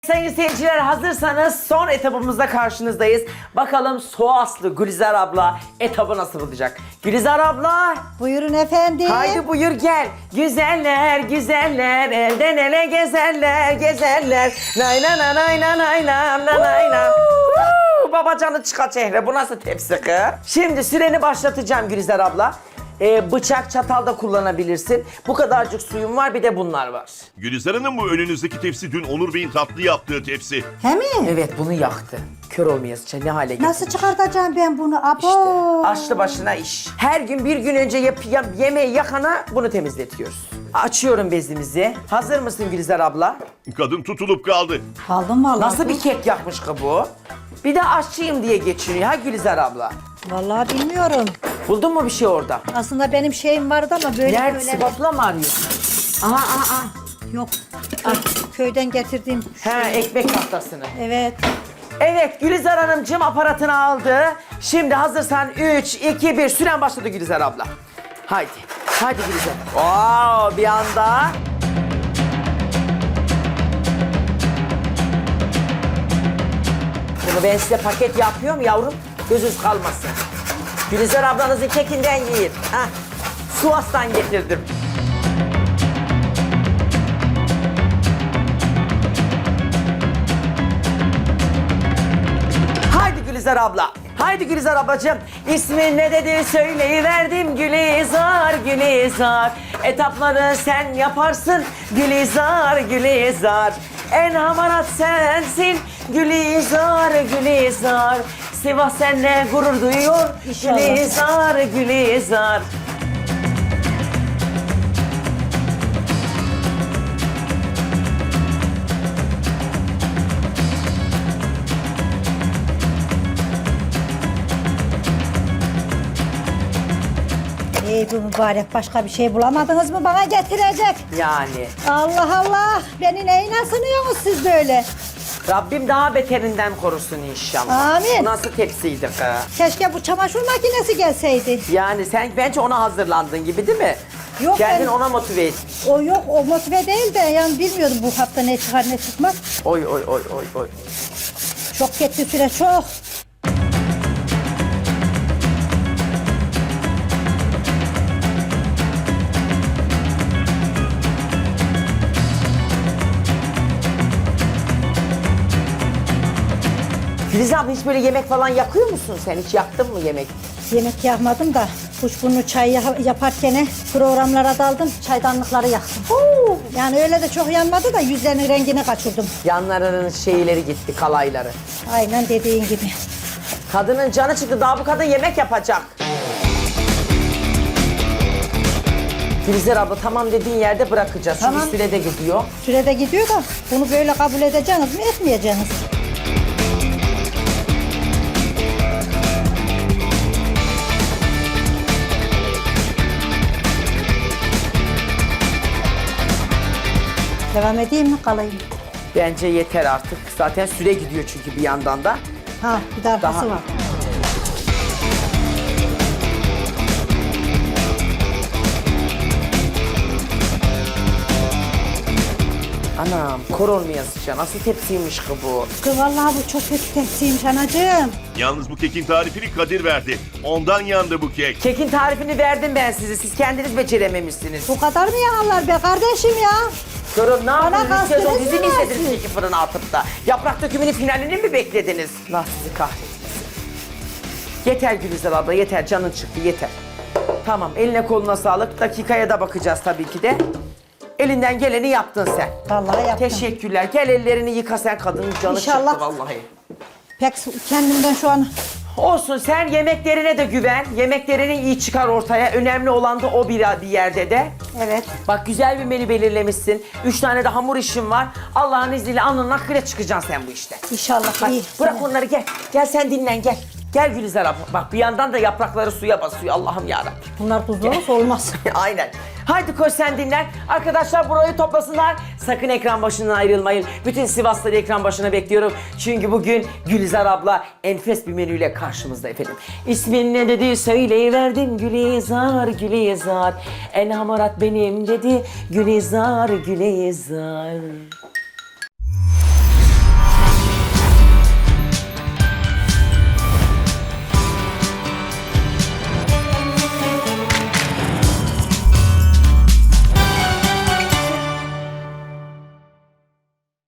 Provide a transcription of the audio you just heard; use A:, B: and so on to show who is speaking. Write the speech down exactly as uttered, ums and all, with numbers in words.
A: Sayın seyirciler, hazırsanız son etabımızda karşınızdayız. Bakalım Soğaslı Gülizar abla etabı nasıl bulacak? Gülizar abla,
B: Buyurun efendim.
A: haydi buyur gel. Güzeller güzeller elden ele gezerler gezerler. Nay nay nay nay nay nay nay nay nay nay. Huu, Babacanı çıka çehre, bu nasıl tepsi kız? Şimdi süreni başlatacağım Gülizar abla. Ee, bıçak çatal da kullanabilirsin. Bu kadarcık suyum var, bir de bunlar var.
C: Gülizar Hanım, bu önünüzdeki tepsi dün Onur Bey'in tatlı yaptığı tepsi.
B: He mi?
A: Evet, bunu yaktı. Kör olmayasıca ne hale getirdi.
B: Nasıl çıkartacağım ben bunu? Abo.
A: İşte açlı başına iş. Her gün bir gün önce yap, yap, yemeği yakana bunu temizletiyoruz. Açıyorum bezimizi. Hazır mısın Gülizar abla?
C: Kadın tutulup kaldı.
B: Kaldım vallahi.
A: Nasıl bir kek yapmış ki bu? Bir de aşçıyım diye geçiniyor ha Gülizar abla.
B: Vallahi bilmiyorum.
A: Buldun mu bir şey orada?
B: Aslında benim şeyim vardı ama böyle
A: Nerede?
B: böyle.
A: Spatula mı arıyorsun? Aha aha aha.
B: Yok. Ah, köyden getirdiğim.
A: He, ekmek tahtasını.
B: Evet.
A: Evet, Gülizar Hanımcığım aparatını aldı. Şimdi hazırsan üç, iki, bir süren başladı Gülizar abla. Haydi, haydi Gülizar. Oo, bir anda. Bunu ben size paket yapıyorum yavrum. Gözünüz kalmasın. Gülizar ablanızın kekinden yiyin. Hah, Sivas'tan getirdim. Haydi Gülizar abla. Haydi Gülizar ablacığım. İsmin ne dedi söyleyiverdim Gülizar, Gülizar. Etapları sen yaparsın Gülizar, Gülizar. En hamarat sensin Gülizar, Gülizar. Sivas seninle gurur duyuyor
B: İnşallah.
A: Gülizar, Gülizar.
B: Ey bu mübarek, başka bir şey bulamadınız mı bana getirecek?
A: Yani
B: Allah Allah. Beni neyine sınıyorsunuz siz böyle?
A: Rabbim daha beterinden korusun inşallah.
B: Amin.
A: Bu nasıl tepsiydi kız?
B: Keşke bu çamaşır makinesi gelseydi.
A: Yani sen bence ona hazırlandın gibi değil mi?
B: Yok,
A: Kendin
B: ben-
A: ona motive etmiş.
B: O yok, o motive değil de yani bilmiyordum bu hafta ne çıkar ne çıkmaz.
A: Oy oy oy oy oy.
B: Çok gitti süre, çok.
A: Filiz abla, hiç böyle yemek falan yakıyor musun sen? Hiç yaktın mı yemek?
B: Yemek yapmadım da kuşburnu çay ya- yaparken programlara daldım, çaydanlıkları yaktım. Huu! Yani öyle de çok yanmadı da yüzlerinin rengini kaçırdım.
A: Yanlarının şeyleri gitti, kalayları.
B: Aynen dediğin gibi.
A: Kadının canı çıktı, daha bu kadın yemek yapacak. Filizler abla, tamam dediğin yerde bırakacağız. Çünkü
B: Tamam.
A: sürede gidiyor.
B: Sürede gidiyor da bunu böyle kabul edeceksiniz mi, etmeyeceksiniz? Devam edeyim mi, kalayım?
A: Bence yeter artık. Zaten süre gidiyor çünkü bir yandan da.
B: Ha, bir de arkası
A: Daha-
B: var.
A: Anam, kor olmayasıca. Nasıl tepsiymiş ki bu?
B: Kız vallahi bu çok kötü tepsiymiş anacığım.
C: Yalnız bu kekin tarifini Kadir verdi. Ondan yandı bu kek.
A: Kekin tarifini verdim ben size. Siz kendiniz becerememişsiniz.
B: Bu kadar mı yanarlar be kardeşim ya?
A: Sorun ne yaptınız?
B: Bana
A: Üç sezon
B: kastınız
A: dizi mi
B: mı
A: izlediniz
B: siz?
A: iki fırına atıp da? Yaprak dökümünün finalini mi beklediniz? Allah sizi kahretmesin. Yeter Gülizar abla, yeter. Canın çıktı, yeter. Tamam, eline koluna sağlık. Dakikaya da bakacağız tabii ki de. Elinden geleni yaptın sen.
B: Vallahi yaptım.
A: Teşekkürler. Gel ellerini yıka, sen kadının canı
B: İnşallah.
A: çıktı vallahi.
B: Pek kendimden şu an
A: Olsun, sen yemeklerine de güven. Yemeklerini iyi çıkar ortaya. Önemli olan da o bir, bir yerde de.
B: evet.
A: Bak, güzel bir menü belirlemişsin. Üç tane de hamur işin var. Allah'ın izniyle alnının akıyla çıkacaksın sen bu işte.
B: İnşallah
A: Hadi
B: iyi.
A: bırak onları, gel. Gel sen dinlen, gel. Gel Gülizar abla. Bak, bir yandan da yaprakları suya basıyor. Allah'ım yarabbim.
B: Bunlar tuzlu olursa olmaz.
A: Aynen. Haydi koş sen dinlen. Arkadaşlar burayı toplasınlar. Sakın ekran başından ayrılmayın. Bütün Sivaslıları ekran başına bekliyorum. Çünkü bugün Gülizar abla enfes bir menüyle karşımızda efendim. İsmin ne dedi söyleyiverdim Gülizar, Gülizar. En hamarat benim dedi Gülizar, Gülizar.